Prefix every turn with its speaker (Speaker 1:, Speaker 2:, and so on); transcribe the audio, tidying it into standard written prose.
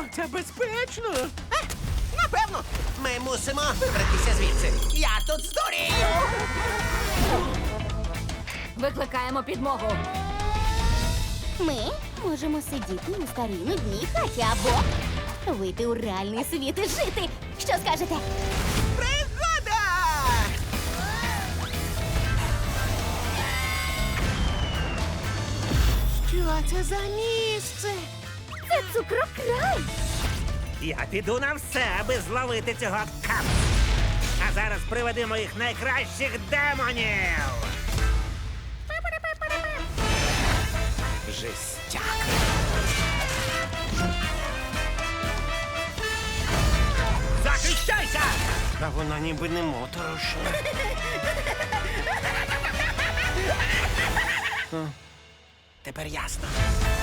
Speaker 1: це безпечно.
Speaker 2: Напевно, ми мусимо вибратися звідси. Я тут здурію!
Speaker 3: Викликаємо підмогу.
Speaker 4: Ми можемо сидіти у старій нудній хаті або вийти у реальний світ і жити. Що скажете?
Speaker 2: Пригода!
Speaker 1: Що це за місце?
Speaker 4: Це цукрокрай!
Speaker 5: Я піду на все, аби зловити цього капа. А зараз приведи моїх найкращих демонів.
Speaker 2: Жестяк.
Speaker 5: Захищайся!
Speaker 2: А вона ніби не моторошна. Тепер ясно.